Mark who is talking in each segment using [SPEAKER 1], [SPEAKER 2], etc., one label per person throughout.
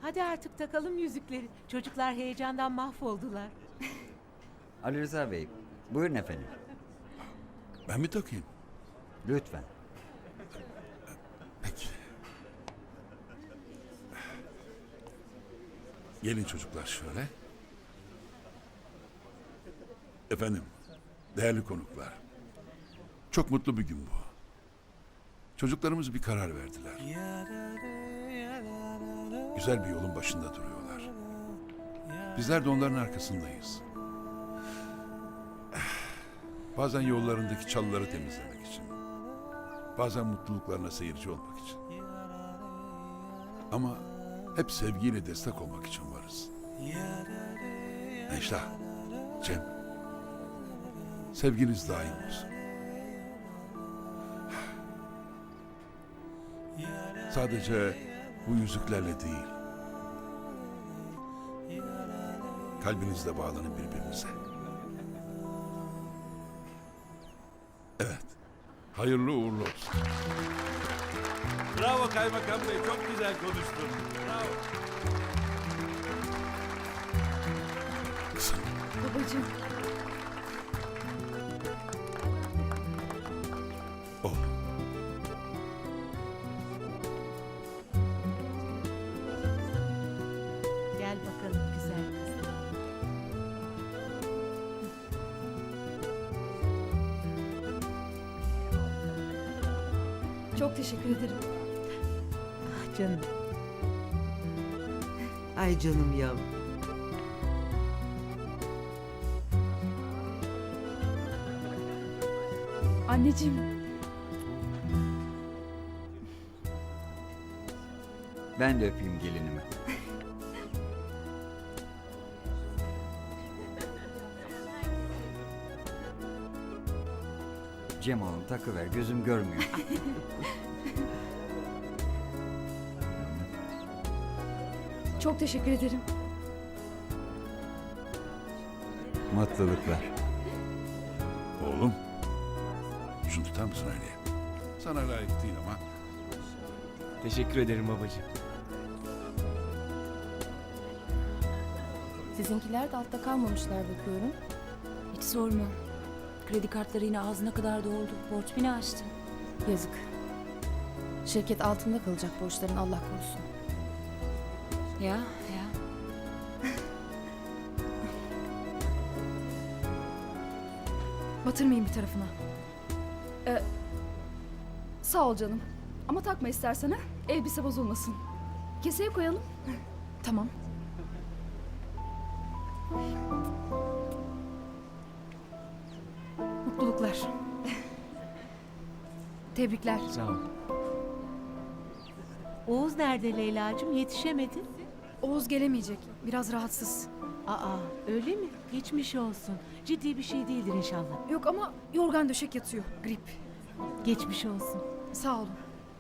[SPEAKER 1] Hadi artık takalım yüzükleri. Çocuklar heyecandan mahvoldular.
[SPEAKER 2] Ali Rıza Bey, buyurun efendim.
[SPEAKER 3] Ben mi takayım?
[SPEAKER 2] Lütfen.
[SPEAKER 3] Peki. Gelin çocuklar şöyle. Efendim, değerli konuklar. Çok mutlu bir gün bu. Çocuklarımız bir karar verdiler. Güzel bir yolun başında duruyorlar. Bizler de onların arkasındayız. Bazen yollarındaki çalıları temizlemek için. Bazen mutluluklarına seyirci olmak için. Ama hep sevgiyle destek olmak için varız. Necla, Cem, sevginiz daim olsun. Sadece bu yüzüklerle değil, kalbinizle bağlanın birbirinize. Evet, hayırlı uğurlu olsun.
[SPEAKER 4] Bravo Kaymakam Bey, çok güzel konuştun. Bravo.
[SPEAKER 3] Kızım,
[SPEAKER 5] Babacığım,
[SPEAKER 3] oğlum.
[SPEAKER 1] Gel bakalım güzel kız.
[SPEAKER 5] çok teşekkür ederim.
[SPEAKER 1] Ah canım.
[SPEAKER 6] Ay canım yavrum.
[SPEAKER 5] Anneciğim,
[SPEAKER 2] Ben de öpeyim gelinimi. Cem oğlum takıver, gözüm görmüyor.
[SPEAKER 5] çok teşekkür ederim.
[SPEAKER 2] Mutluluklar.
[SPEAKER 3] Oğlum, şunu tutar mısın Aliye? Sana layık değil ama
[SPEAKER 4] Teşekkür ederim babacığım.
[SPEAKER 7] Sizinkiler de altta kalmamışlar bakıyorum. Hiç sorma. Kredi kartları yine ağzına kadar doldu. Borç bini aştı. Yazık. Şirket altında kalacak borçların Allah korusun. Ya.
[SPEAKER 5] Batırmayayım bir tarafına. Sağ ol canım. Ama takma istersen ha. Elbise bozulmasın. Keseye koyalım. Tamam. Mutluluklar. Tebrikler.
[SPEAKER 4] Sağ ol.
[SPEAKER 1] Oğuz nerede Leyla'cığım? Yetişemedi.
[SPEAKER 5] Oğuz gelemeyecek. Biraz rahatsız.
[SPEAKER 1] Aa öyle mi? Geçmiş olsun. Ciddi bir şey değildir inşallah.
[SPEAKER 5] Yok ama yorgan döşek yatıyor. Grip.
[SPEAKER 1] Geçmiş olsun.
[SPEAKER 5] Sağ olun.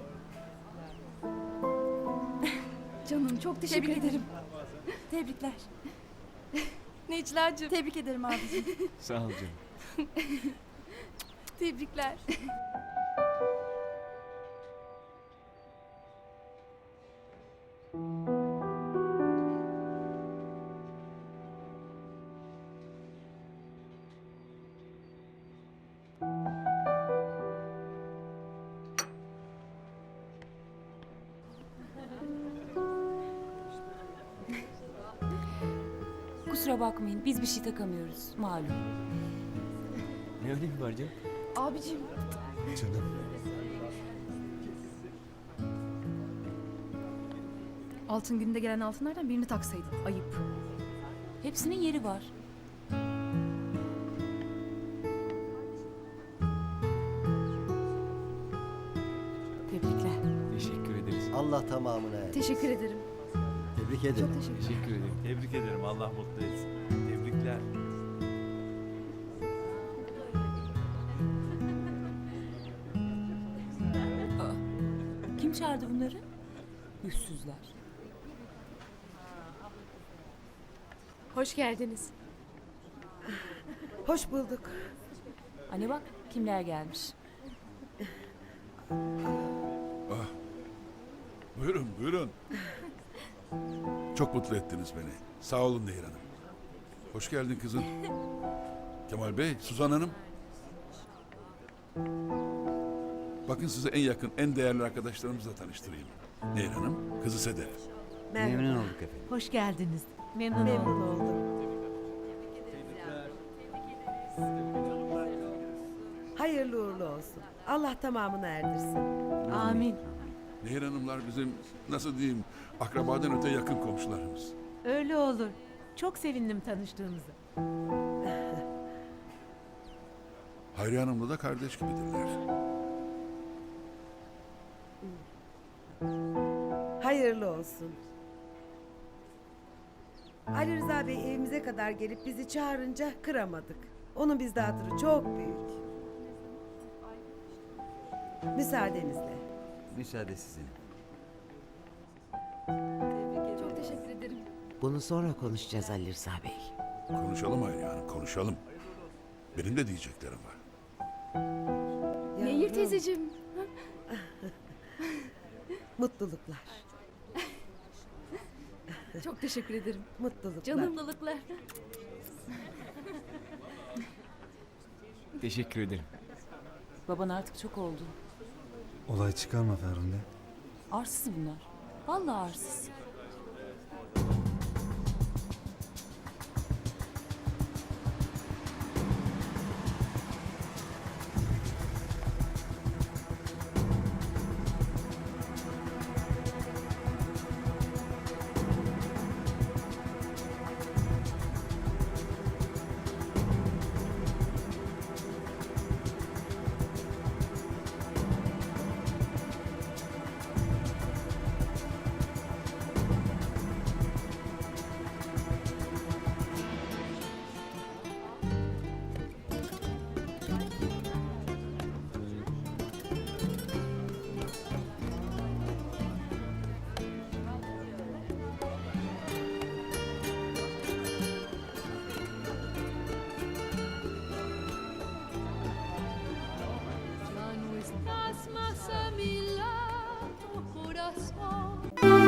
[SPEAKER 5] Canım çok teşekkür ederim.
[SPEAKER 7] Tebrikler.
[SPEAKER 5] Necla'cığım. Tebrik ederim abicim.
[SPEAKER 4] Sağ ol canım.
[SPEAKER 5] Tebrikler.
[SPEAKER 7] Kusura bakmayın biz bir şey takamıyoruz malum.
[SPEAKER 4] Ne önemi var canım?
[SPEAKER 5] Abicim.
[SPEAKER 4] Canım.
[SPEAKER 5] Altın günde gelen altınlardan birini taksaydın. Ayıp.
[SPEAKER 7] Hepsinin yeri var. Tebrikler.
[SPEAKER 4] Teşekkür ederiz.
[SPEAKER 8] Allah tamamına erdi.
[SPEAKER 5] Teşekkür ederim.
[SPEAKER 8] Tebrik ederim.
[SPEAKER 5] Çok teşekkür ederim.
[SPEAKER 4] Teşekkür ederim. Tebrik ederim. Allah mutlu etsin. Tebrikler.
[SPEAKER 7] Kim çağırdı bunları? Yüzsüzler.
[SPEAKER 9] Hoş geldiniz.
[SPEAKER 6] Hoş bulduk.
[SPEAKER 7] Anne bak kimler gelmiş.
[SPEAKER 3] buyurun buyurun. Çok mutlu ettiniz beni. Sağ olun Nehir Hanım. Hoş geldin kızım. Kemal Bey, Suzan Hanım. Bakın size en yakın, en değerli arkadaşlarımızla tanıştırayım. Nehir Hanım, kızı Sedef.
[SPEAKER 2] Memnun olduk efendim.
[SPEAKER 1] Hoş geldiniz. Memnun oldum.
[SPEAKER 6] Hayırlı uğurlu olsun. Allah tamamını erdirsin.
[SPEAKER 1] Amin.
[SPEAKER 3] Nehir Hanımlar bizim, nasıl diyeyim, akrabadan öte yakın komşularımız.
[SPEAKER 1] Öyle olur. Çok sevindim tanıştığımıza.
[SPEAKER 3] Hayriye Hanım'la da kardeş gibidirler.
[SPEAKER 6] Hayırlı olsun. Ali Rıza Bey evimize kadar gelip bizi çağırınca kıramadık. Onun bizde hatırı çok büyük. Müsaadenizle.
[SPEAKER 2] Müsaade sizin.
[SPEAKER 5] Çok teşekkür ederim.
[SPEAKER 10] Bunu sonra konuşacağız Ali Rıza Bey.
[SPEAKER 3] Konuşalım Hayriye Hanım, konuşalım. Benim de diyeceklerim var.
[SPEAKER 5] Nehir
[SPEAKER 6] Yavrum,
[SPEAKER 5] teyzeciğim.
[SPEAKER 6] mutluluklar.
[SPEAKER 5] Çok teşekkür ederim.
[SPEAKER 6] Mutluluklar.
[SPEAKER 5] Canımlılıklar.
[SPEAKER 4] Teşekkür ederim.
[SPEAKER 7] Baban artık çok oldu.
[SPEAKER 8] Olay çıkarma Ferhunde.
[SPEAKER 7] Arsız bunlar. Vallahi arsız.
[SPEAKER 9] Estás más a mi lado, corazón.